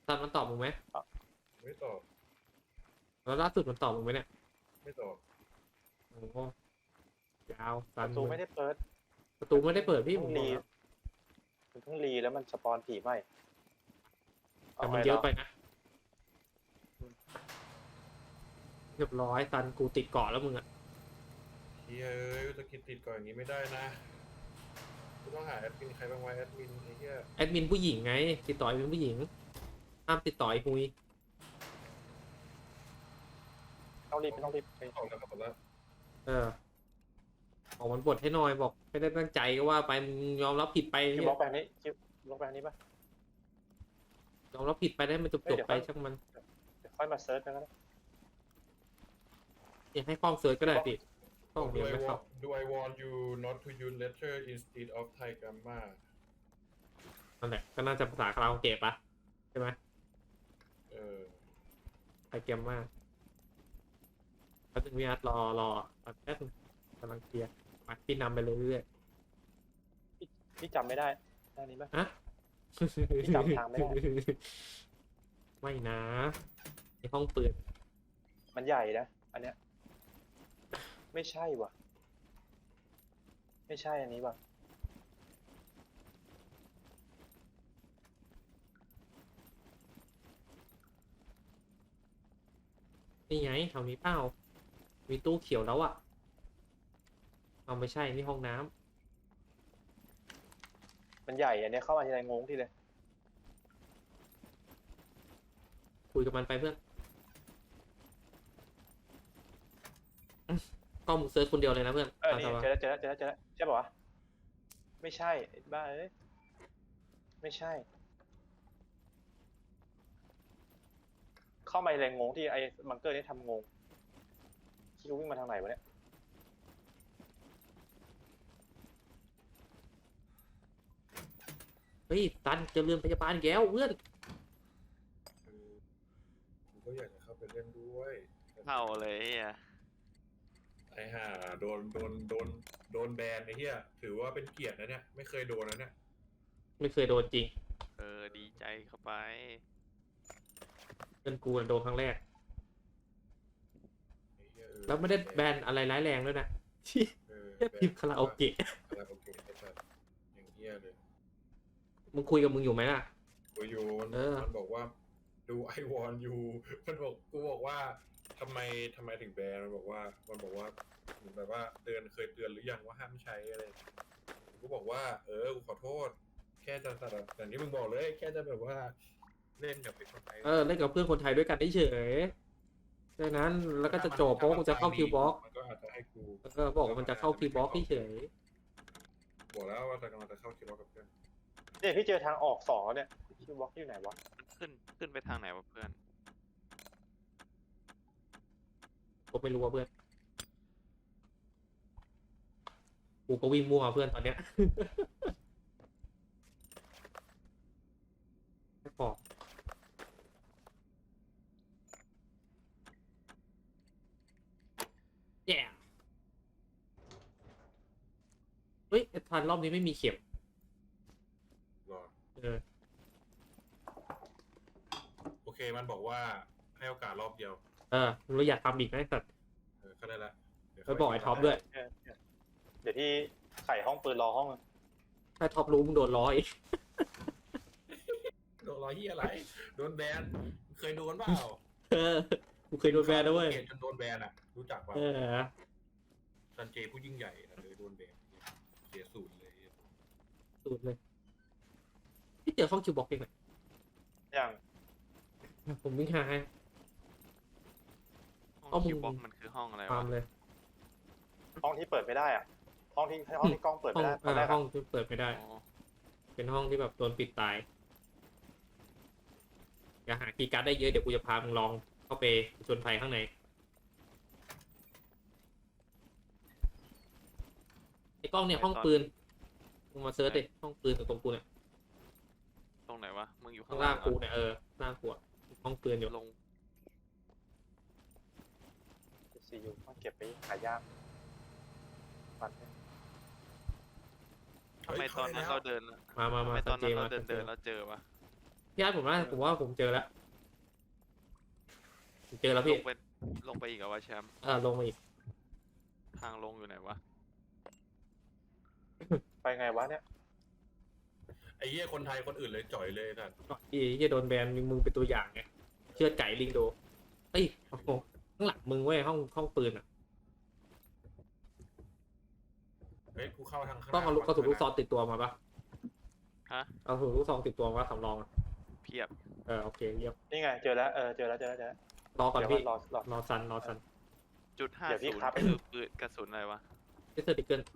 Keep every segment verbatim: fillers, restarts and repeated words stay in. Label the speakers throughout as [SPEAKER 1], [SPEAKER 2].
[SPEAKER 1] ซันมันตอบมึงไหม
[SPEAKER 2] ไม่ตอบ
[SPEAKER 1] แล้วล่าสุดมันตอบมึงไหมเนี่ย
[SPEAKER 2] ไม่ตอบ
[SPEAKER 1] โอ้โหยาว
[SPEAKER 3] ป
[SPEAKER 1] ซัน
[SPEAKER 3] ระตูไม่ได้เปิด
[SPEAKER 1] ประตูไม่ได้เปิดพี่ผ
[SPEAKER 3] เพิ่
[SPEAKER 1] ม
[SPEAKER 3] ง
[SPEAKER 1] บอ
[SPEAKER 3] รี
[SPEAKER 1] กแล้ว
[SPEAKER 3] มันเพิ่งรีแล้วมันสปอนผีใหม่
[SPEAKER 1] แต่มันเยอะไปนะเรียบร้อยซันกูติดเกาะแล้วมึงอะ
[SPEAKER 2] เฮ้ยเอ้ยจะกินติดก่อนอย่างนี้ไม่ได้นะกูต้องหาแอดมินใครบ้างวะแอดมินไอ้เหี้ย
[SPEAKER 1] แอดมินผู้หญิงไงติดต่อแอดมินผู้หญิงห้ามติดต่อไอ้คุย
[SPEAKER 3] ต้องรีบไม่ต้องรีบไป
[SPEAKER 2] ออกแล้วครับแล้ว
[SPEAKER 1] เออบอกมันบทให้หน่อยบอกไม่ได้ตั้งใจก็ว่าไปมึงยอมรับผิดไป
[SPEAKER 3] คิวบล็อกไปอันนี้คิวบล็อกไปอันนี้ปะ
[SPEAKER 1] ยอมรับผิดไปได้มันจบจบไปช่างมัน
[SPEAKER 3] เดี๋ยวค่อยมาเซิร์ชกันก็ได้
[SPEAKER 1] อยากให้กล้องเซิร์ชก็ได้พี่กล้อง
[SPEAKER 2] ดู
[SPEAKER 1] เดียว
[SPEAKER 2] I
[SPEAKER 1] ไม่เข้า
[SPEAKER 2] want do I want you not to use letter instead of Thai grammar
[SPEAKER 1] นั่นแหละก็น่าจะภาษาคาราโอเกะปะใช่ไหม
[SPEAKER 2] เออ
[SPEAKER 1] ไอเกมมากก็ถึงวิอาร์รอรอแป๊บนึงกำลังเคลียร์มาพี่นำไปเรื่อย
[SPEAKER 3] พี่จำไม่ได้หน้านี้ปะ
[SPEAKER 1] ๆฮะ
[SPEAKER 3] พี่จำทางไม่ได้
[SPEAKER 1] ไม่นะในห้องปืน
[SPEAKER 3] มันใหญ่นะอันเนี้ยไม่ใช่ว่ะ ไม่ใช่อันนี้ว่ะ
[SPEAKER 1] นี่ไงแถวนี้เปล่ามีตู้เขียวแล้วอะเอาไม่ใช่นี่ห้องน้ำ
[SPEAKER 3] มันใหญ่อันเนี้ยเข้ามาทีไรงงทีเลย
[SPEAKER 1] คุยกับมันไปเพื่อนอื้อกล้องมึงเซิร์ชคนเดียวเลยนะเพื่อน
[SPEAKER 3] เออ
[SPEAKER 1] ตาม
[SPEAKER 3] นี่
[SPEAKER 1] สบาย
[SPEAKER 3] เจอแล้วเจอแล้วเจอแล้วเจอแล้วใช่ป่ะวะไม่ใช่ไอ้บ้าเอ้ยไม่ใช่ เข้ามาแรงงงที่ไอ้บังเกอร์นี่ทำงงคิววิ่งมาทางไหนวะเนี่ย
[SPEAKER 1] เฮ้ยตันเจอเรือนพยาบาลอีกแล้วเพื่อน
[SPEAKER 2] คือกูก็อยากจะเข้าไปเล่นด้วย
[SPEAKER 4] เข้าเลยไอ่ะ
[SPEAKER 2] ไอ้ห่าโดนโดนโดนโดนแบนไอ้เหี้ยถือว่าเป็นเกียรตินะเนี่ยไม่เคยโดนนะเนี่ย
[SPEAKER 1] ไม่เคยโดนจริง
[SPEAKER 4] เออดีใจเข้าไป
[SPEAKER 1] เพื่อนกูน่ะโดนครั้งแรก
[SPEAKER 2] ไอ้เหี้ยเออ
[SPEAKER 1] แล้วไม่ได้แบนอะไรร้ายแรงด้วยนะที่
[SPEAKER 2] เออ
[SPEAKER 1] แค่พิมพ์คาราโอเกะ
[SPEAKER 2] คาราโอเกะไอ้สัสอย่างเหี้ยเลย
[SPEAKER 1] มึงคุยกับมึงอยู่ไหมล่ะ
[SPEAKER 2] กูอยู่มัน
[SPEAKER 1] เออ
[SPEAKER 2] มันบอกว่าดูไอวอนยูมันบอกกูบอกว่าทำไมทำไมถึงแบนมันบอกว่ามันบอกว่าเหมือนแบบว่าเตือนเคยเตือนหรือยังว่าห้ามใช้อะไรกูบอกว่าเออกูขอโทษ แค่จะแบบอย่างที่มึงบอกเลยแค่จะแบบว่าเล่นกับเป็นคนไทย
[SPEAKER 1] เออเล่นกับเพื่อนคนไทยด้วยกันเฉยๆดังนั้นแล้วก็จะจบเพราะว่ากูจะเข้าคิวบ็อก
[SPEAKER 2] มันก็อาจจะให้กู
[SPEAKER 1] เออบอกว่ามันจะเข้าคิวบ็อกเฉย
[SPEAKER 2] บอกแล้วว่าจะกำลังจะเข้าคิวบ็อกกับเพื่อน
[SPEAKER 3] เนี่ยพี่เจอทางออกสองแล้วเนี่ยคิวบล็อกอยู่ไหนวะ
[SPEAKER 4] มันขึ้นขึ้นไปทางไหนวะเพื่อน
[SPEAKER 1] ๆกูไม่รู้ว่าเพื่อนกูก็วิ่งมั่วเพื่อนตอนเนี้ยไม่พอแย่เฮ้ยทันรอบนี้ไม่มีเข็ม
[SPEAKER 2] รอ
[SPEAKER 1] เออ
[SPEAKER 2] โอเคมันบอกว่าให้โอกาสรอบเดียว
[SPEAKER 1] เออเราอยากทำอีกไหมสัตว์
[SPEAKER 2] เออก็ได้ละเดี๋ยว
[SPEAKER 1] ไปบอกไอ้ท็อปด้วย
[SPEAKER 3] เออเออเดี๋ยวที่ไข่ห้องปืนรอห้อง
[SPEAKER 1] ถ้าท็อปรู้มึงโดนล้ออีก
[SPEAKER 2] โดนรอยที่อะไร โดนแบน เคยโดนเปล่า
[SPEAKER 1] เออกูเคยโดนแบนด้วย
[SPEAKER 2] เกลียดจนโดนแบนอ่ะ รู้จักป่ะ
[SPEAKER 1] เออ
[SPEAKER 2] ซันเจผู้ยิ่งใหญ่นะเลยโดนแบนเสียสูตรเลย
[SPEAKER 1] สุดเลยที่เจอห้องคิวบ็อกเองเลย
[SPEAKER 3] อย่าง
[SPEAKER 1] ผมวิ่งหาให้
[SPEAKER 4] ห้อง
[SPEAKER 1] เอามึง
[SPEAKER 4] คิวบ็อกมันคือห้องอะไร
[SPEAKER 1] ตาว
[SPEAKER 4] ะ
[SPEAKER 1] มเลย
[SPEAKER 3] ห้องที่เปิดไม่ได้อะห้องที่ห้องที่กล้องเปิด
[SPEAKER 1] ห้อ
[SPEAKER 3] ไม่
[SPEAKER 1] ง
[SPEAKER 3] ได้ตอนแร
[SPEAKER 1] อ่าก ห้
[SPEAKER 3] อะ
[SPEAKER 1] องที่เปิดไม่ได้
[SPEAKER 4] อ๋อ
[SPEAKER 1] เป็นห้องที่แบบโดนปิดตาย อย่าหาคีย์การ์ดได้เยอะเดี๋ยวกูจะพามึงลองเข้าไปจนภัยข้างในไอ้กล้องเนี่ยห้องปืนมึงมาเซิร์ชดิห้องปืนตรงกูเนี่ย
[SPEAKER 4] ตรงไหนวะมึงอยู่
[SPEAKER 1] ข้า
[SPEAKER 4] ข้าง ง
[SPEAKER 1] ล่า
[SPEAKER 4] ล่าง ง
[SPEAKER 1] กู
[SPEAKER 4] เหรอ
[SPEAKER 1] เนี่ยเออล่างกูอะห้องปืนอยู่
[SPEAKER 4] ลง
[SPEAKER 3] ซียูต้องเก็บไปหายากปัดเนี่ย
[SPEAKER 4] ทำไมตอนนั้นเราเดิน
[SPEAKER 1] มามา
[SPEAKER 4] ทำ
[SPEAKER 1] มา
[SPEAKER 4] ไมตอนนั้นเรา
[SPEAKER 1] สั
[SPEAKER 4] เดิ
[SPEAKER 1] จ
[SPEAKER 4] น
[SPEAKER 1] จ
[SPEAKER 4] เดินเราเจอวะ
[SPEAKER 1] พี่อาร์ตผมว่าผมว่าผมเจอแล้วผมเจอแล้ว
[SPEAKER 4] ล
[SPEAKER 1] พี่
[SPEAKER 4] งไปลงไปอีกเหรอวะแชมป์
[SPEAKER 1] เออลงมาอีก
[SPEAKER 4] ทางลงอยู่ไหนวะ
[SPEAKER 3] ไปไงวะเนี่ย
[SPEAKER 2] ไอ้เหี้ยคนไทยคนอื่นเลยจ่อยเลยนะ
[SPEAKER 1] อีที่โดนแบนมึงเป็นตัวอย่างไงเชื่อไก่ลิงโดเอ้ยโอ้โหข้างหลังมึงเว้ยห้องห้องปืนอ่ะ
[SPEAKER 2] เฮ้ยกูเข้าทางข้าง
[SPEAKER 1] ต้องเอาลูกกระสุนลูกซองติดตัวมาปะ
[SPEAKER 4] ฮะ
[SPEAKER 1] เอากระสุนลูกซองติดตัวมาสำรองอะ
[SPEAKER 4] เพียบ
[SPEAKER 1] เออโอเคเยี่ยม
[SPEAKER 3] นี่ไงเจอแล้วเออเจอแล้วเจอแล้วเจอแล้ว
[SPEAKER 1] รอก่อน
[SPEAKER 3] เดี๋ยว
[SPEAKER 1] พี่
[SPEAKER 3] รอรอ
[SPEAKER 1] รอซันรอซัน
[SPEAKER 4] จุดห้า
[SPEAKER 3] เดี๋ยวพี่
[SPEAKER 4] ศูนย์
[SPEAKER 3] ครับ
[SPEAKER 4] คือปืนกระสุนอะไรวะ
[SPEAKER 1] เจสเซอร์ติเกิล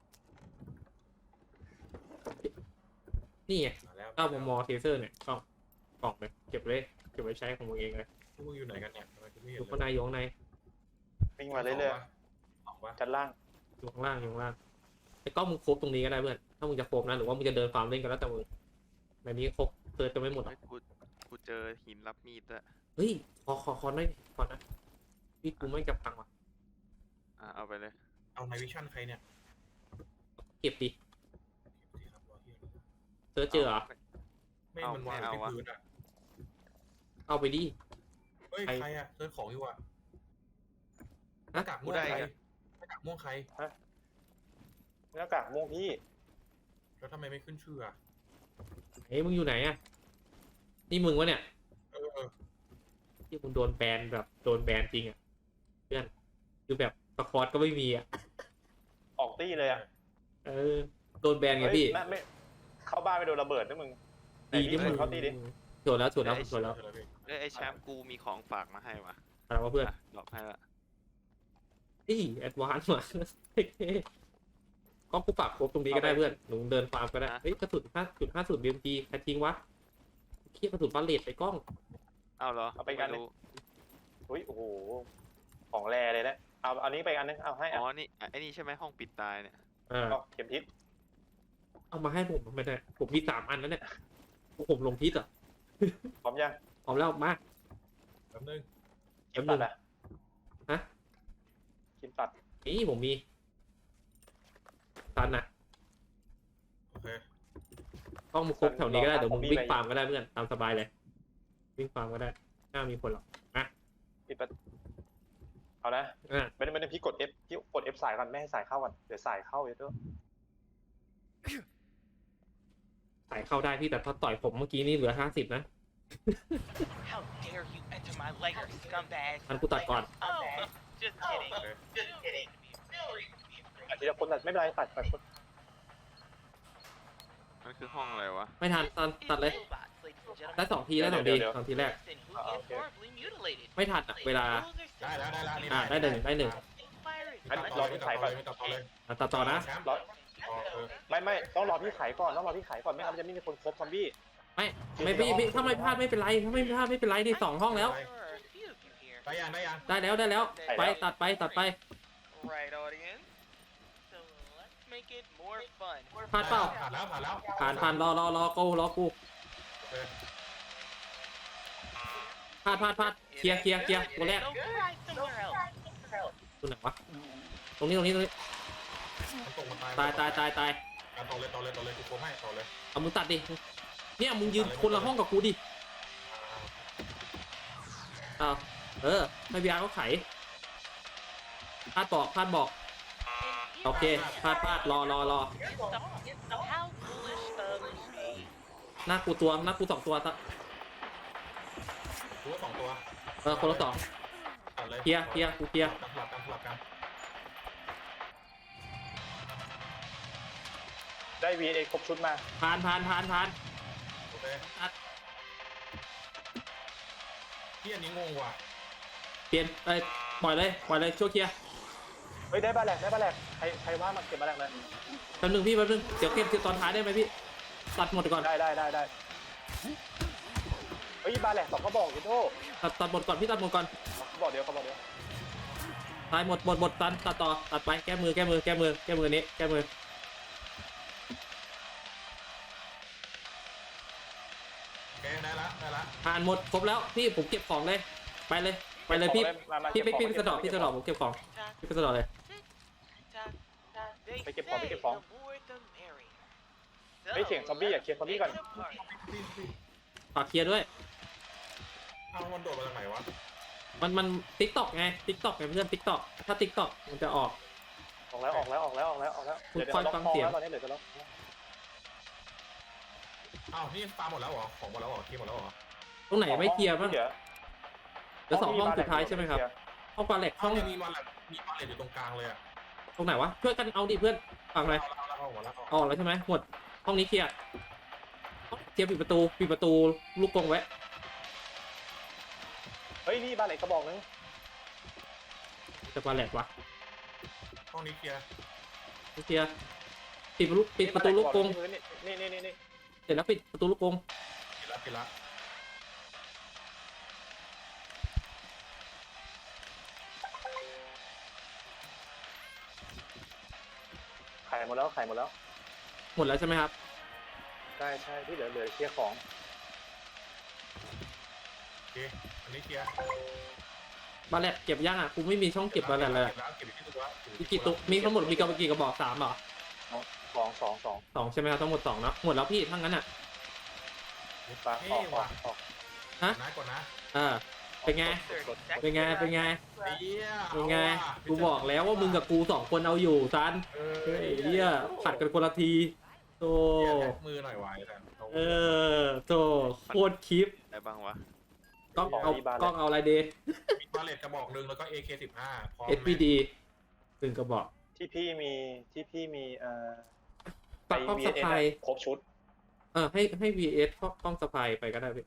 [SPEAKER 1] นี่ไง
[SPEAKER 2] มาแล้ว
[SPEAKER 1] เก้ามมเทเซอร์เนี่ยกล่องกล่องเลยเก็บเลยเก็บไว้ใช้ของมึงเองเลย
[SPEAKER 2] พวกมึงอยู่ไหนกันเนี่ยทำไมกูไม่
[SPEAKER 1] อ
[SPEAKER 2] เห็น
[SPEAKER 1] ยู่
[SPEAKER 2] เล
[SPEAKER 1] ข้างใน
[SPEAKER 2] ย
[SPEAKER 1] อยู่ข้างใน
[SPEAKER 3] วิ่งมาเรื่อย
[SPEAKER 2] ออกวะ
[SPEAKER 3] ๆชั้นล่าง
[SPEAKER 1] อยู่ข้างล่างอยู่ข้างล่างไอ้กล้องมึงครบตรงนี้ก็ได้เพื่อนถ้ามึงจะครบนะหรือว่ามึงจะเดินฟาร์มเล่นกันแล้วแต่มึงในนี้ครบเติร์จะไม่หมดหรอก
[SPEAKER 4] เฮ้ยกูกูเจอหินรับมีดด้วย
[SPEAKER 1] เฮ้ยขอขอขอหน่อยขอนะพี่กูไม่จับพังว่ะ
[SPEAKER 4] อ่ะเอาไปเลย
[SPEAKER 2] เอาไนวิชั่นใครเนี่ย
[SPEAKER 1] เก็บดิ
[SPEAKER 2] สิครับรอเหี้ย
[SPEAKER 1] เจอเจอเหรอ
[SPEAKER 2] ไม่มันวางอยู่ที่พื้นอ่ะ
[SPEAKER 1] เอาไปดิ
[SPEAKER 2] เฮ้ย
[SPEAKER 1] ใคร
[SPEAKER 2] ใครอ่ะเซิร์ชของอยู่อ่ะห
[SPEAKER 1] ฮะ
[SPEAKER 2] น้ากากม่วงใครหน้ากากม่วงใคร
[SPEAKER 3] หน้ากากม่วงพี่
[SPEAKER 2] แล้วทำไมไม่ขึ้นชื่ออ่ะ
[SPEAKER 1] เฮ้ยมึงอยู่ไหนอะนี่มึงวะเนี่ย
[SPEAKER 2] เออเออ
[SPEAKER 1] ที่มึงโดนแบนแบบโดนแบนจริงอะเพื่อนคือแบบสคอร์ก็ไม่มีอะ
[SPEAKER 3] ออกตี้เลยอ่ะ
[SPEAKER 1] เออโดนแบนไง
[SPEAKER 3] เฮ้ย
[SPEAKER 1] พี่
[SPEAKER 3] น่าไม่เข้าบ้านไปโดนระเบิดนะมึง
[SPEAKER 1] ดีที่มึง
[SPEAKER 3] เข้าตีดิ
[SPEAKER 1] จดแล้วจดแล้วจดแล้ว
[SPEAKER 2] เจอพี่
[SPEAKER 4] เอ้ยไอแชมป์กูมีของฝากมาให้วะ
[SPEAKER 1] อะไรวะเพื่อน
[SPEAKER 4] อ่ะดรอกให้ละ
[SPEAKER 1] นี่แอดวานซ์ว่ะ กล้องกูปากครบตรงนี้ก็ได้เพื่อนหนูเดินฟาร์มก็ได้เฮ้ยกระสุนห้าจุดห้าศูนย์บีเอ็มจีใครทิ้งวะเคียกระสุนบาเลตไปกล้อง
[SPEAKER 4] เอาเหรอ
[SPEAKER 3] เอาไปกันเลย
[SPEAKER 4] ม่รู้
[SPEAKER 3] อุ้ยโอ้โหของแรเลยนะเอาอันนี้ไปอันนึงเอาให้
[SPEAKER 4] อ๋
[SPEAKER 3] อ่ะ
[SPEAKER 4] อนี่อ่ะไอ้นี่ใช่ไหมห้องปิดตายเนี่ย
[SPEAKER 1] เออ
[SPEAKER 3] เอาเข็มทิศ
[SPEAKER 1] เอามาให้ผมไม่ได้ผมมีสามอันแล้วเนี่ยผมลงทิศอ่ะ
[SPEAKER 3] พร้อมยัง
[SPEAKER 1] เอาแล้วมา
[SPEAKER 2] แป๊บนึง
[SPEAKER 3] เข็มตัดอ่ะ
[SPEAKER 1] ฮะ
[SPEAKER 3] เข็มตัด
[SPEAKER 1] นี่ผมมีตันอ่ะ
[SPEAKER 2] โอเค
[SPEAKER 1] กล้องมึงครบแถวนี้ก็ได้เดี๋ยวมึงวิ่งฟาร์มก็ได้เพื่อนตามสบายเลยวิ่งฟาร์มก็ได้น่ามีผลหรอก
[SPEAKER 3] ปิดประเอานะ
[SPEAKER 1] อ่ะ
[SPEAKER 3] ไม่ได้ไม่ได้พี่กด F พี่กด F สายก่อนไม่ให้สายเข้าก่อนเดี๋ยวสายเข้าเยอะด้วย
[SPEAKER 1] ใส่เข้าได้พี่แต่พอต่อยผมเมื่อกี้นี่เหลือห้าสิบนะ
[SPEAKER 5] How dare you enter my lair, scumbag?
[SPEAKER 1] อันกูตัดก่อน
[SPEAKER 5] Oh, just kidding. Just kidding.
[SPEAKER 3] อาทีละคนตัดไม่เป็นไรตัดตัดคน
[SPEAKER 4] มันคือห้องอะไรวะ
[SPEAKER 1] ไม่ทันตัดตัดเลย
[SPEAKER 5] Robots, ladies and gentlemen.
[SPEAKER 1] ได้สองทีได้สองทีสองทีแรก
[SPEAKER 5] Listen, who gets horribly mutilated?
[SPEAKER 1] ไม่ทันอ่ะเวลา
[SPEAKER 2] ได้แล้วได้แล้วนี่
[SPEAKER 1] อ่ะได้หนึ่งได้หนึ่ง
[SPEAKER 5] Fire is
[SPEAKER 3] อัน
[SPEAKER 2] ไม่
[SPEAKER 3] ร
[SPEAKER 2] ต่
[SPEAKER 3] อ
[SPEAKER 2] อเลย
[SPEAKER 3] ที่
[SPEAKER 2] ไม่
[SPEAKER 3] สาย
[SPEAKER 2] ต่
[SPEAKER 3] ก่
[SPEAKER 2] อ
[SPEAKER 3] อน
[SPEAKER 2] เลยไม่ต่อเลย
[SPEAKER 1] อ่ะตัดต่อนะ
[SPEAKER 2] แชมป์
[SPEAKER 3] รอ
[SPEAKER 2] ต่อเออ
[SPEAKER 3] ไม่ไม่ต้องรอพี่ไขก่อนต้องรอพี่ไขก่อนไม่งั้นมันจะไม่มีคนครบซอมบี้
[SPEAKER 1] ไม่ไม่พี่พี่ถ้าไม่พลาดไม่เป็นไรถ้าไม่พลาดไม่เป็นไรที่สองห้องแล้ว
[SPEAKER 5] There are a few of you here.
[SPEAKER 2] ได้ยังได้ยัง
[SPEAKER 1] ได้แล้วได้แล้ว ไปตัดไปตัดไป
[SPEAKER 5] Right, audience? So let's make it more fun.
[SPEAKER 1] พลาดเปล่า
[SPEAKER 2] ผ่านแล้วผ่านแล้ว
[SPEAKER 1] ผ่านผ่านรอรอรอกูรอกู
[SPEAKER 2] โอเค
[SPEAKER 1] พลาดพลาดพลาดเคลียร์เคลียร์เคลียร์ตัวแรก
[SPEAKER 5] Go try somewhere else.
[SPEAKER 1] ตัวไหนวะตรงนี้ตรงนี้ตรงนี้
[SPEAKER 2] มันตกมัน
[SPEAKER 1] ตายตายตายตาย
[SPEAKER 2] อ่ะต่อเลยต่อเลยต่อเลยกูโค้งให้ต่อเลย
[SPEAKER 1] เอามึงตัดดิเนี่ยมึงยืนคนละห้องกับกูดิ
[SPEAKER 2] อ่า
[SPEAKER 1] อ้าวเออไม่พีอาร์ก็ไขพลาดบอกพลาดบอกโอเคพลาดพลาดรอรอรอ
[SPEAKER 5] So how foolish of me.
[SPEAKER 1] หน้ากูตัวหน้ากูสองตัวตะ
[SPEAKER 2] กูว่าสองตัว
[SPEAKER 1] เออคนละสอง
[SPEAKER 2] ตัดเลย
[SPEAKER 1] เคลียร์เคลียร์กูเคลียร์
[SPEAKER 2] สลับกันสลับกัน
[SPEAKER 3] ได้ วี เอ ครบชุดมา
[SPEAKER 1] ผ่านผ่านผ่านผ่าน
[SPEAKER 2] โอเค
[SPEAKER 1] ตัด
[SPEAKER 2] ที่อันนี้งงว่ะ
[SPEAKER 1] เปลี่ยนเอ้ยปล่อยเลยปล่อยเลยช่วยเคลียร์
[SPEAKER 3] เฮ้ยได้บ้านแหลกได้บ้านแหลกใครใครว่ามาเก็บบ้านแหลกเลย
[SPEAKER 1] แป๊บนึงพี่แป๊บนึงเดี๋ยวเก็บตอนท้ายได้ไหมพี่ตัดหมดก่อน
[SPEAKER 3] ได้ได้ได้ได้เฮ้ยบ้านแหลกสองกระบอกยิโต้
[SPEAKER 1] ตัดตัดหมดก่อนพี่ตัดหมดก่อน
[SPEAKER 3] กระบอกเดียวกระบอกเดียว
[SPEAKER 1] ท้ายหมดหมดหมดตัดตัดต่อตัดไปแก้มือแก้มือแก้มือแก้มือนี้แก้มือ
[SPEAKER 2] โอเคได้ละได้ละ
[SPEAKER 1] ผ่านหมดครบแล้วพี่ผมเก็บของเลยไปเลยไปเลยพี่
[SPEAKER 3] มามา
[SPEAKER 1] พี่
[SPEAKER 3] เก็บ
[SPEAKER 1] พี่
[SPEAKER 3] ของ
[SPEAKER 1] พี่ไปสะดอกพี่สะดอกผมเก็บของพี่ไปสะดอกเลย
[SPEAKER 5] They
[SPEAKER 3] ไปเก็บของไป
[SPEAKER 5] say
[SPEAKER 3] เก็บของ
[SPEAKER 5] the more the merrier.
[SPEAKER 3] เฮ้ยเสียงซอมบี้อ่ะเคลียร์ซอมบี้ก่อน
[SPEAKER 5] Let's get a party.
[SPEAKER 1] ฝากเคลียร์ด้วย
[SPEAKER 2] เอามันโดดมาจากไหนวะ
[SPEAKER 1] มันมันติ๊กต็อกไงติ๊กต็อกไงเพื่อนติ๊กต็อกถ้าติ๊กต็อกมันจะออก
[SPEAKER 3] ออกแล้วออกแล้วออกแล้วออกแล้วออกแล้ว
[SPEAKER 1] คุณ
[SPEAKER 3] เดี๋ยว
[SPEAKER 1] คอย
[SPEAKER 3] เดี๋ยว
[SPEAKER 1] ฟัง
[SPEAKER 3] ล็อก
[SPEAKER 1] เสียง
[SPEAKER 3] แล้วตอนนี้เหลือจะล็อก
[SPEAKER 2] อ้าวนี่ฟาร์มหมดแล้วเหรอของหมดแล้วเหรอเคลียร์หมดแล้วเหรอ
[SPEAKER 1] ตรงไหนไม่เคลียร์บ้าง
[SPEAKER 3] เหลือ
[SPEAKER 1] เหลือสองห้องสุดท้ายใช่ไหมครับ ห้องปลาเหล็ก
[SPEAKER 2] ห้
[SPEAKER 1] ห้
[SPEAKER 2] อ
[SPEAKER 1] อง ง
[SPEAKER 2] ยังมีมาแหละมีมาเลตอยู่ตรงกลางเลยอะ
[SPEAKER 1] ตรงไหนวะช่วยกันเอาดิเพื่อนฟังเลย
[SPEAKER 2] เอาแล้วเอาแล้วเอาแล้ว
[SPEAKER 1] ออกแล้วใช่ไหมหมดห้องนี้เคลียร์เคลียร์ปิดประตูปิดประตูลูกกรงไว้
[SPEAKER 3] เฮ้ยนี่บ้านเหล็กกระบอกนึง
[SPEAKER 1] จะปลาเหล็กวะ
[SPEAKER 2] ห้องนี้เคลียร์
[SPEAKER 1] ไม่เคลียร์ปิดประตูปิดประตูลูกกรง
[SPEAKER 3] นี่นี่นี่นี่
[SPEAKER 1] เสร็จแล้วปิดประตูลูกกรง
[SPEAKER 2] ปิดละปิดละ
[SPEAKER 3] ขายหมดแล้วขายหมดแล้ว
[SPEAKER 1] หมดแล้วใช่ไหมครับ
[SPEAKER 3] ใช่ใช่ที่เหลือเหลือเคลียร์ของ
[SPEAKER 2] โอเคอันนี้เคลียร์
[SPEAKER 1] ปลาเหล็กเก็บยังอ่ะกูไม่มีช่องเก็บปลาเหล็กเลย
[SPEAKER 2] เก็บแล้วเก็บอีกที่ตัวละ
[SPEAKER 1] มีกี่ตัวมีทั้งหมดมีกระบอกกี่กระบอกสามเหรอ
[SPEAKER 3] สองสองสอง
[SPEAKER 1] สองใช่ไหมครับทั้งหมดสองเนาะหมดแล้วพี่ทั้งนั้นอ่ะ
[SPEAKER 3] ปลาอ
[SPEAKER 2] เฮ้
[SPEAKER 3] อก
[SPEAKER 2] ย
[SPEAKER 3] ออ
[SPEAKER 2] ว่ะ
[SPEAKER 3] กออก
[SPEAKER 1] ฮะ
[SPEAKER 2] นะก่อนนะ
[SPEAKER 1] เออเป็นไง เป็นไงเป็นไง
[SPEAKER 2] ไอ้เหี้ย
[SPEAKER 1] เป็นไง
[SPEAKER 2] เอาว่ะ
[SPEAKER 1] กูบอกแล้วว่ามึงกับกูสองคนเอาอยู่ซัน
[SPEAKER 2] เออ
[SPEAKER 1] เฮ้ยเหี้ยผัดกันคนละทีโต
[SPEAKER 2] เหี้ยแท็กมือหน่อยวายแต่
[SPEAKER 1] เออโตโคตรคลิป
[SPEAKER 4] อะไรบ้างวะ
[SPEAKER 1] กล้องเอากล้องเอาอะไรดี
[SPEAKER 2] มีบาเลตกระบอกหนึ่งแล้วก็ เอ เค สิบห้าพร้อม
[SPEAKER 1] เอส
[SPEAKER 2] ไหม
[SPEAKER 1] พี ดี หนึ่งกระบอก
[SPEAKER 3] ที่พี่มีที่พี่มีเอ่อ
[SPEAKER 1] ปักกล้องสะพาย
[SPEAKER 3] ครบชุด
[SPEAKER 1] เออให้ให้ วี เอส กล้องสะพายไปก็ได้พี่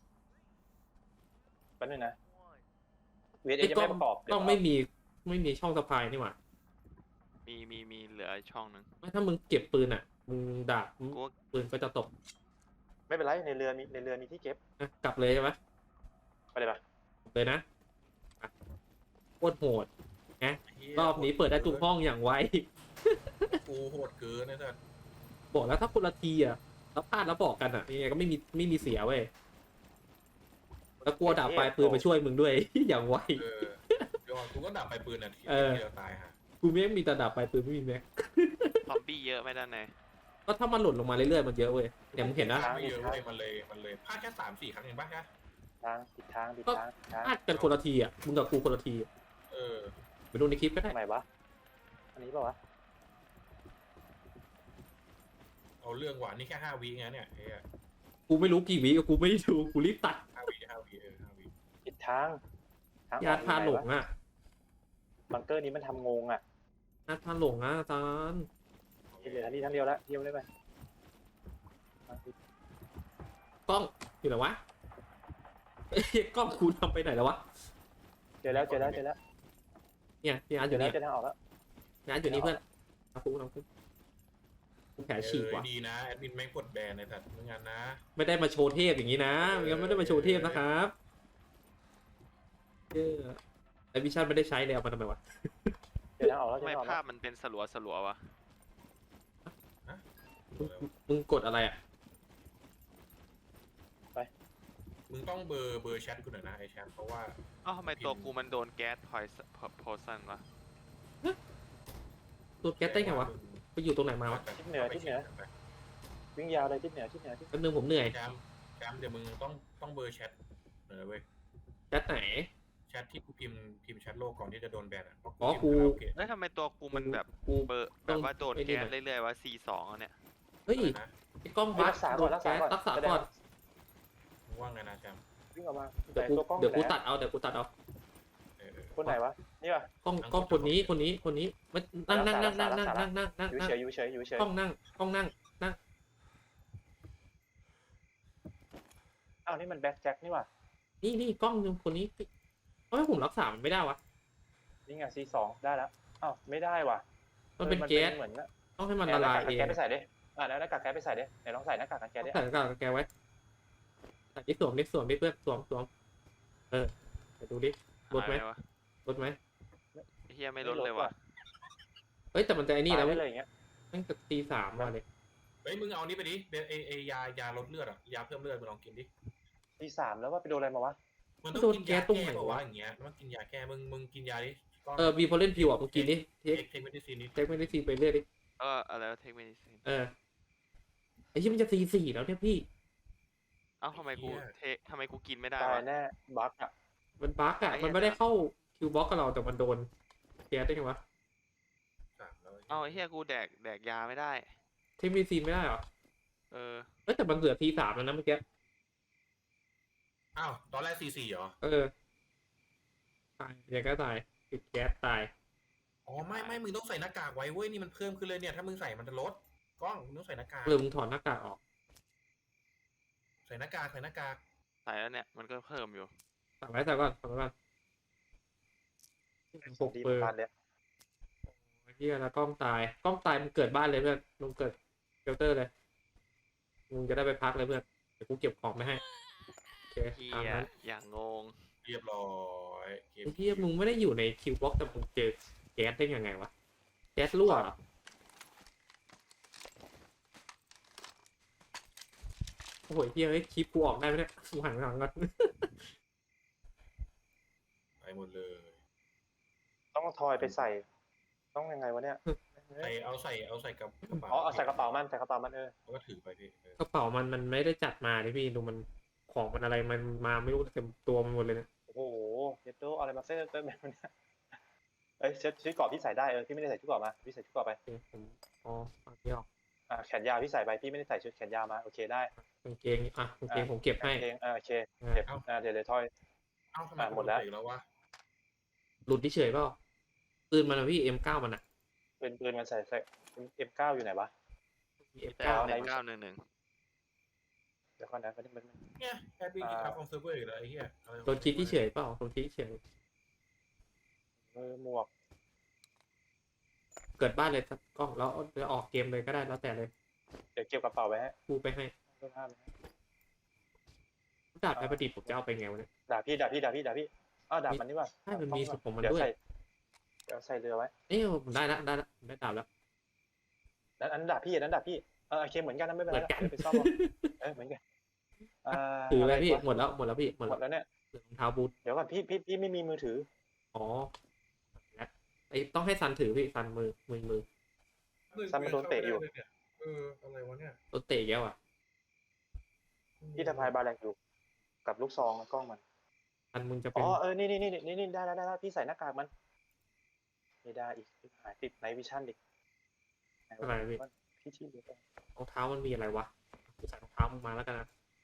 [SPEAKER 3] แป๊บนึงนะเวท
[SPEAKER 1] ไอ้
[SPEAKER 3] ยัง
[SPEAKER 1] กล้อ
[SPEAKER 3] ไม่
[SPEAKER 1] ง
[SPEAKER 3] ประกอบ
[SPEAKER 1] กล้องไม่มีไม่มีช่องสะพายนี่หว่า
[SPEAKER 4] มีมีมีเหลือช่องหนึ่ง
[SPEAKER 1] ไม่ถ้ามึงเก็บปืนอ่ะมึงดาบ
[SPEAKER 4] กูว่า
[SPEAKER 1] ปืนก็จะตก
[SPEAKER 3] ไม่เป็นไรในเรือมีในเรือมีที่เก็บ
[SPEAKER 1] นะกลับเลยใช่ไหม
[SPEAKER 3] ไปเลยปะ
[SPEAKER 1] กลับเลยนะอ่ะโคตรโหด
[SPEAKER 2] เหี้ย
[SPEAKER 1] รอบนี้เปิดได้ทุกห้องอย่างไว
[SPEAKER 2] กูโหดเกินนะแต่
[SPEAKER 1] บอกแล้วถ้าคนละทีอ่ะแล้วพลาดแล้วบอกกันอ่ะยังไงก็ไม่มีไม่มีเสียเว้ยแล้วกลัวดาบปลายปืนมาช่วยมึงด้วย อย่างไว
[SPEAKER 2] เออเดี๋ยวก่อนกูก็ดับไปปืนอ่ะที
[SPEAKER 1] เออ
[SPEAKER 2] เดียวตายฮะ
[SPEAKER 1] กูไม่มีแต่ดาบปลายปืนไม่มีแม็ก
[SPEAKER 4] ซอมบี้เยอะไหมด้านใน
[SPEAKER 1] ก็ถ้ามันหล่นลงมาเรื่อยๆมันเยอะเว้ยอย่างมึงเห็นนะ
[SPEAKER 2] ไม่เยอะเลยมันเลยมันเลยพลาดแค่สามสี่ครั้งเองป่ะฮะ
[SPEAKER 3] ทางผิดทางผิดทางผิดทาง
[SPEAKER 1] พลาดกันคนละทีอ่ะมึงกับกูคนละทีอะ
[SPEAKER 2] เออ
[SPEAKER 1] ไปดูในคลิปก็ได้
[SPEAKER 3] ทำไมวะอันนี้เปล่าวะ
[SPEAKER 2] เอาเรื่องว่ะนี่แค่ห้าวิไงเนี่ยเฮ้ย
[SPEAKER 1] กูไม่รู้กี่วิกูไม่ได้ดูกูรีบตัด
[SPEAKER 2] ห้าวิห้าวิเออห้าวิ
[SPEAKER 3] ผิดทางทาง
[SPEAKER 1] ยาทาหลงอ่ะ
[SPEAKER 3] บังเกอร์นี้มันทำงงอ่ะ
[SPEAKER 1] ยาทาหลงอ่ะอาจารย์
[SPEAKER 3] เหลือทันทีทั้งเดียวแล้วเดียวได้ไหม
[SPEAKER 1] กล้องอยู่ไหนวะเอ้ยกล้องกูทำไปไหนแล้ววะ
[SPEAKER 3] เจอแล้วเจอแล้วเจอแล้ว
[SPEAKER 1] เนี่ยพี่อาร์ตอ
[SPEAKER 3] เจอยู่ แล้ว
[SPEAKER 1] นี่
[SPEAKER 3] เจอทางออกแล้ว
[SPEAKER 1] พี่อาร์ตอยู่นี่เพื่อนเอากูเอากูกูแผลฉีกว่ะ
[SPEAKER 2] เออดีนะแอดมินไม่กดแบนในสัตว์ไม่งั้นนะ
[SPEAKER 1] ไม่ได้มาโชว์เทพอย่างนี้นะไม่งั้นไม่ได้มาโชว์เทพนะครับเออไอวิชั่นไม่ได้ใช้เลยเอามาทำไมวะ
[SPEAKER 3] เจอทางออกแล้วเจ
[SPEAKER 4] ทำ
[SPEAKER 3] อ
[SPEAKER 4] ไม
[SPEAKER 3] ทางออก
[SPEAKER 4] ภา
[SPEAKER 3] แล้
[SPEAKER 4] พ
[SPEAKER 3] ว
[SPEAKER 4] มันเป็นสลัวสลัวๆวะ
[SPEAKER 1] มึงมึงกดอะไรอ่ะ
[SPEAKER 2] มึงต้องเบอร์เบอร์แชทกูหน่อยนะไอแชทเพราะว่า
[SPEAKER 4] เอ้าทำไมตัวกูมันโดนแก๊สพอยโพซันวะ
[SPEAKER 1] ตัวแก๊สได้ไงวะไปอยู่ตรงไหนมาวะ
[SPEAKER 3] ทิศเหนือทิศเหนือวิ่งยาวเลยทิศเหนือทิศเหนือทิศ
[SPEAKER 1] แป๊บนึงผมเหนื่อย
[SPEAKER 2] แชมป์แชมป์เดี๋ยวมึงต้องต้องเบอร์แชทหน่อยนะเว้ย
[SPEAKER 1] แก๊สไหน
[SPEAKER 2] แชทที่กูพิมพ์พิมพ์แชทโลกก่อนที่จะโดนแบนอ่ะเพราะ
[SPEAKER 1] อ๋อกู
[SPEAKER 2] พิมพ์คาราโอเกะ
[SPEAKER 4] เอ้ยทำไมตัวกูมันแบบ
[SPEAKER 1] กู
[SPEAKER 4] เบอร์
[SPEAKER 1] ต้
[SPEAKER 4] แบ
[SPEAKER 1] อง
[SPEAKER 4] บว่าโดน
[SPEAKER 1] ไอ้นี่
[SPEAKER 4] แก๊ส
[SPEAKER 1] หน่อย
[SPEAKER 4] เรื่อยๆว่า ซี สองเนี่ย
[SPEAKER 1] เฮ้ย
[SPEAKER 2] อะไรนะ
[SPEAKER 1] ไอ้กล้อง
[SPEAKER 3] เฮ้ย
[SPEAKER 1] บัส
[SPEAKER 3] รักษา
[SPEAKER 1] โด
[SPEAKER 3] ก่อน
[SPEAKER 1] น
[SPEAKER 3] รักษา
[SPEAKER 1] แก๊ส
[SPEAKER 3] ก่อน
[SPEAKER 1] รักษา
[SPEAKER 3] จะได้
[SPEAKER 1] ก่อน
[SPEAKER 2] มึงว่าไงนะแชมป์
[SPEAKER 3] วิ่งออกมา
[SPEAKER 1] เดี๋ยวกู
[SPEAKER 3] ตัวกล้อง
[SPEAKER 1] เดี๋ยวกู
[SPEAKER 3] ไหน
[SPEAKER 1] ตัดเอาเดี๋ยวกูตัดเอา
[SPEAKER 2] เออเออ
[SPEAKER 3] คนไหนวะนี่ป่ะ
[SPEAKER 1] กล้องกล้องคนนี้คนนี้คนนี้มันนั่งนั่งนั่งนั่งนั่งนั่งนั่งนั่ง
[SPEAKER 3] อยู่
[SPEAKER 1] นั่ง
[SPEAKER 3] เฉยอยู่เฉยอยู่เฉย
[SPEAKER 1] กล้องนั่งกล้องนั่งนั่ง
[SPEAKER 3] อ้าวนี่มันแบ็คแจ็คนี่ว่ะ
[SPEAKER 1] นี่นี่กล้องนึงคนนี้เฮ้ยผมรักษามันไม่ได้วะ
[SPEAKER 3] นี่ไงซีสองได้แล้วอ้าวไม่ได้ว่ะ
[SPEAKER 1] มันเป็น
[SPEAKER 3] ออ
[SPEAKER 1] แก๊ส
[SPEAKER 3] เหมือนนะ
[SPEAKER 1] ต้องให้มันละลาย
[SPEAKER 3] ห
[SPEAKER 1] เอง
[SPEAKER 3] น้ากากกันแก๊สไปใส่ดิอ่าแล้วหน้ากากแก๊สไปใส่ดิไหนลองใส่หน้ากากกันแก๊สดิ
[SPEAKER 1] ใส่หน้ากากแกไว้ใส่ที่สวมดิสวมดิเพื่อนสวมสวมเออไปดูดิลดไหม
[SPEAKER 4] หายปวะ
[SPEAKER 1] ลดไหม
[SPEAKER 4] ไอ้เฮียไม่ลดเลยว่ะ
[SPEAKER 1] เฮ้ยแต่มันจะไอ้นี่แล้ว
[SPEAKER 3] ตายได้เลยอย่างเงี้ย
[SPEAKER 1] ตั้งแต่ตีสามมาเลย
[SPEAKER 2] เฮ้ยมึงเอานี่ไปดิเบนเอเอยายาลดเลือดอ่ะยาเพิ่มเลือดมึงลองกินดิ
[SPEAKER 3] ทีสามแล้วว่าไปโดนอะไรมาวะ
[SPEAKER 2] มันต้องกินยาแก้ป่าวะอย่างเงี้ยมันต้องกินยาแก้มึงมึงกินยาดิก้อน
[SPEAKER 1] เออบีพอเล่นพิวอ่ะเมื่อกี้นี้เท
[SPEAKER 2] เท
[SPEAKER 1] ค
[SPEAKER 2] คเทคเมดิซีนนี่
[SPEAKER 1] เทคไม่ได้ซีไปเรื่อยดิ
[SPEAKER 4] เอออะไรเทคเมดิซิน
[SPEAKER 1] เออไอ้ที่มันจะตีสี่แล้วเนี่ยพี่
[SPEAKER 4] เอ้าทำไมกู
[SPEAKER 2] เหี้ย
[SPEAKER 4] เททำไมกูกินไม่ได้
[SPEAKER 3] ตายว
[SPEAKER 4] ะ
[SPEAKER 3] แน่บั๊กอ่ะ
[SPEAKER 1] มันบั๊กอ่ะ
[SPEAKER 4] ไอ้เหี้ย
[SPEAKER 1] มันไม่ได้เข้าคิวบ็อกกับเราแต่มันโดนแก๊สได้ไงวะ
[SPEAKER 2] สามแล้ว
[SPEAKER 4] เอ้าไอ้เหี้ยกูแดกแดกยาไม่ได้
[SPEAKER 1] เทคมีซีนไม่ได้เหรอ
[SPEAKER 4] เออ
[SPEAKER 1] เอ้ยแต่มันเหลือทีสามแล้วนะเมื่อกี้
[SPEAKER 2] อ้าวตอนแรกสี่สี่เหรอ
[SPEAKER 1] เออตายอย่างก็ตายติดแก๊สตาย
[SPEAKER 2] อ๋อไม่ไม่มึงต้องใส่หน้ากากไว้เว้ยนี่มันเพิ่มขึ้นเลยเนี่ยถ้ามึงใส่มันจะลดกล้องมึงต้องใส่หน้ากาก
[SPEAKER 1] หรือมึงถอดหน้ากากออก
[SPEAKER 2] ใส่หน้ากากใส่หน้ากาก
[SPEAKER 4] ใส่แล้วเนี่ยมันก็เพิ่มอยู่
[SPEAKER 1] ใส่ไว้ใส่ก่อนใส่ไว้ก่อนหก
[SPEAKER 3] ดี
[SPEAKER 1] เปอร์
[SPEAKER 3] มากเลย
[SPEAKER 1] เฮียแล้วกล้องตายกล้องตายมึงเกิดบ้านเลยเพื่อนมึงเกิดเชลเตอร์เลยมึงจะได้ไปพักเลยเพื่อนเดี๋ยวกูเก็บของไม่ให้โอเค
[SPEAKER 4] เฮี
[SPEAKER 1] ตาม
[SPEAKER 4] ย
[SPEAKER 1] นั้น
[SPEAKER 4] อย่างงง
[SPEAKER 2] เรียบร้อยเกม
[SPEAKER 1] ไอ้เฮียมึงไม่ได้อยู่ในคิวบ็อกแต่มึงเจอแก๊สได้ยังไงวะแก๊สรั่วเหรอโอ้โหเฮียเฮ้ยคลิปกูออกได้ไหมเนี่ยกูหันหลังก่อน
[SPEAKER 2] ไปหมดเลย
[SPEAKER 3] ต้องเอาทอยไปใส่ ต้องยังไงวะเนี่ย
[SPEAKER 2] ใส่เอาใส่เอาใส่กับกระเป๋า
[SPEAKER 3] อ๋อเอาใส่กระเป๋ามันใส่กระเป๋ามันเออ
[SPEAKER 2] แล้วก็ถือไปพี่เออก
[SPEAKER 1] ระเป๋ามันมันไม่ได้จัดมาดิพี่ดูมันของมันอะไรมันมาไม่รู้เต็มตัวมันหมดเลยนะ
[SPEAKER 3] โอ้โหเจ็ดโดอะไรมาเส้นเต้นแบบนี้เอ้ยชุดชุดเกราะพี่ใส่ได้เออพี่ไม่ได้ใส่ชุดเกราะมาพี่ใส่ชุดเกราะไป
[SPEAKER 1] โอเคผมอ๋อฟังที่ออก
[SPEAKER 3] อ่าแขนยาวพี่ใส่ไปพี่ไม่ได้ใส่ชุดแขนยาวมาโอเคได้
[SPEAKER 1] กางเกงอ่ะกางเกงผมเก็บให้
[SPEAKER 3] เองอ่าโอเค
[SPEAKER 1] อ่ะ
[SPEAKER 3] เก็บอ่าเดี๋ยวเดี๋ยวทอย
[SPEAKER 2] เอ้าทำไม
[SPEAKER 3] อ่ะหมดแล้ว
[SPEAKER 2] อีกแล้ววะ
[SPEAKER 1] หลุดที่เฉยเปล่าปืนมันอะพี่ เอ็ม เก้า มันอะ
[SPEAKER 3] ปืนปืนมันใส่ใส่เอ็มเก้าอยู่ไหนวะ
[SPEAKER 1] มี เอ็ม
[SPEAKER 4] แต่
[SPEAKER 1] เก้า
[SPEAKER 3] อะไร
[SPEAKER 4] เก้าหนึ่งหนึ่ง
[SPEAKER 3] เดี๋ยวก่อนนะมันมัน
[SPEAKER 2] เนี่ยแอดมินกิจกรรมของเซิร์ฟเวอร์อีกแล้วไอ้เหี้ยอะไรของ
[SPEAKER 1] โดนคิดที่เฉยเปล่าโดนคิดที่เฉย
[SPEAKER 3] เออหมวก
[SPEAKER 1] เกิดบ้านเลยครับกล้องแล้วจะออกเกมเลยก็ได้แล้วแต่เลย
[SPEAKER 3] เดี๋ยวเก็บกระเป๋าไว้ให้
[SPEAKER 1] กูไปให้
[SPEAKER 3] เสื้อผ้าไว้ให้
[SPEAKER 1] ดาบไอประดิษฐ์ผมจะเอาไปไงวะเนี่ย
[SPEAKER 3] ด่าพี่ด่าพี่ด่าพี่ด่าพี่อ้าวด่ามันนี่ว่า
[SPEAKER 1] ใช่มันมีสุดของมัน
[SPEAKER 3] เดี๋ยว
[SPEAKER 1] ด้วย
[SPEAKER 3] ใส่เดี๋ยวใส่เรือไว้
[SPEAKER 1] เอ้ยผมได้ละได้ละผมได้ดาบแล้ว
[SPEAKER 3] นั้นอันนั้นด่าพี่อันนั้นด่าพี่เออโอเคเหมือนกันนะไม่เป็น
[SPEAKER 1] เห
[SPEAKER 3] ไร
[SPEAKER 1] มือนกัน
[SPEAKER 3] เดี๋ยวไปซ่อมเอาเออเหมือนกันอ่า
[SPEAKER 1] ถือไป
[SPEAKER 3] ะร
[SPEAKER 1] พี่
[SPEAKER 3] วะ
[SPEAKER 1] หมดแล้วหมดแล้วพี่หมด
[SPEAKER 3] หม
[SPEAKER 1] แล้ว
[SPEAKER 3] ดแล้วเนี่ย
[SPEAKER 1] เหลือรองเท้าบูท
[SPEAKER 3] เดี๋ยวก่อนพี่พี่พี่ไม่มีมือถือ
[SPEAKER 1] อ๋อแล้วไอต้องให้ซันถือพี่ซันมือมือมือ
[SPEAKER 3] ซันมันโดนเตะอยู่
[SPEAKER 2] เอออะไรวะเนี่ย
[SPEAKER 1] รถเตะแก้วอ่ะ
[SPEAKER 3] พี่ทพายบาแลกอยู่กับลูกซองกล้องมัน
[SPEAKER 1] ซันมึงจะเป็
[SPEAKER 3] อ๋
[SPEAKER 1] น
[SPEAKER 3] อเออนี่นี่นี่นี่นี่ได้แล้วได้แล้วพี่ใส่หน้ากากมันไม่ได้อีกหายติดไนวิชั่นดิ
[SPEAKER 1] อะไรพี่
[SPEAKER 3] พี่ที่เหลือ
[SPEAKER 1] รองเท้ามันมีอะไรวะกูใส่รองเท้ามึงมาแล้วกันนะ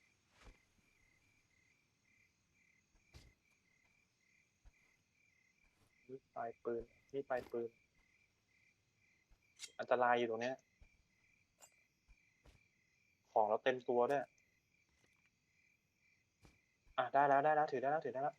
[SPEAKER 3] นี่ปลายปืนนี่ปลายปืน อันตรายอยู่ตรงเนี้ย ของเราเต็มตัวด้วยอ่ะได้แล้วได้แล้วถือได้แล้วถือได้แล้ว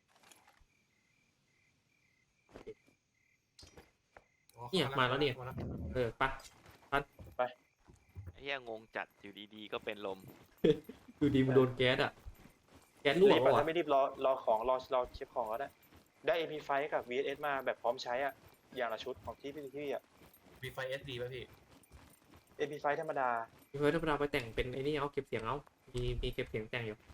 [SPEAKER 2] อ๋อ
[SPEAKER 1] เนี่ยมาแล้วเนี่ย
[SPEAKER 2] มาแล้ว
[SPEAKER 1] เออปะ
[SPEAKER 4] ไอ้เฮียงงจัดอยู่ดีๆก็เป็นลม
[SPEAKER 1] ดูดีมันโดนแก๊สอ่ะแก๊สรั่ว
[SPEAKER 3] รีบ
[SPEAKER 1] ปะ
[SPEAKER 3] อ่ะ
[SPEAKER 1] วะ
[SPEAKER 3] ถ้าไม่รีบรอรอของรอรอเช็คของก็ได้ได้ เอ็ม พี ไฟว์ กับ วี เอส เอส มาแบบพร้อมใช้อ่ะอย่างละชุดของที่พี่ที่อ่ะ
[SPEAKER 2] มีไฟเอสดีป่ะพี่
[SPEAKER 3] เอ็ม พี ไฟว์ ธรรมดา
[SPEAKER 1] พี่เฟิร์สธรรมดาไปแต่งเป็นไอ้นี่เอาเก็บเสียงเอามีมีเก็บเสียงแต่งอยู่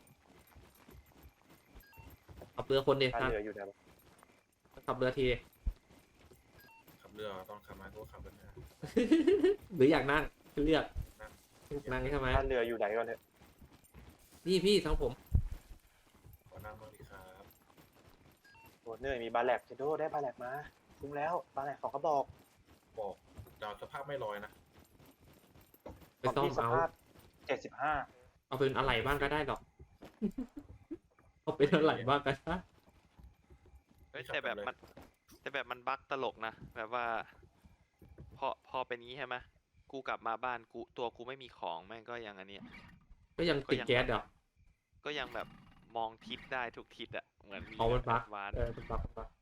[SPEAKER 1] ขับเรือคนเดียว
[SPEAKER 3] ถ้า
[SPEAKER 1] ครับ
[SPEAKER 3] เหลืออยู่เนี่ย
[SPEAKER 1] ขับเรือทีดิ
[SPEAKER 2] ขับเรือตอนขับมาก็ขับกันนะ
[SPEAKER 1] หรืออยากนั่งเลือกนั่งใช่ไหม
[SPEAKER 3] ถ้าเรืออยู่ไหนก่อนเถอะ
[SPEAKER 1] นี่พี่ทั้งผม
[SPEAKER 2] ขอนั่งบ้างดีครับ
[SPEAKER 3] โอ้เหนื่อยมีบาแลกเจโดได้บาแลกมาคุ้มแล้วบาแลกสองกระบอก
[SPEAKER 2] บอกดาวสภาพไม่ลอยนะ
[SPEAKER 1] ไปซ่อม
[SPEAKER 3] ที่ส
[SPEAKER 1] เอา
[SPEAKER 3] ภาพเจ็ดสิบห้า
[SPEAKER 1] เอาเป็นอะไรบ้างก็ได้หรอก เอาเป็นอะไรบ้างก็ได้
[SPEAKER 4] เฮ้ยแต่แบบมันแต่แบบมันบั๊กตลกนะ แบบว่า พอพอเป็นงี้ใช่ไหมกูกลับมาบ้านกูตัวกูไม่มีของแม่งก็ยังอันเนี้ย
[SPEAKER 1] ก็ยังติดแก๊สเหรอ
[SPEAKER 4] ก็ยังแบบมองทิศได้ทุกทิศอะเหมือนมี
[SPEAKER 1] เอามันบั๊ก
[SPEAKER 4] วาน
[SPEAKER 1] เออเป็นบักบัก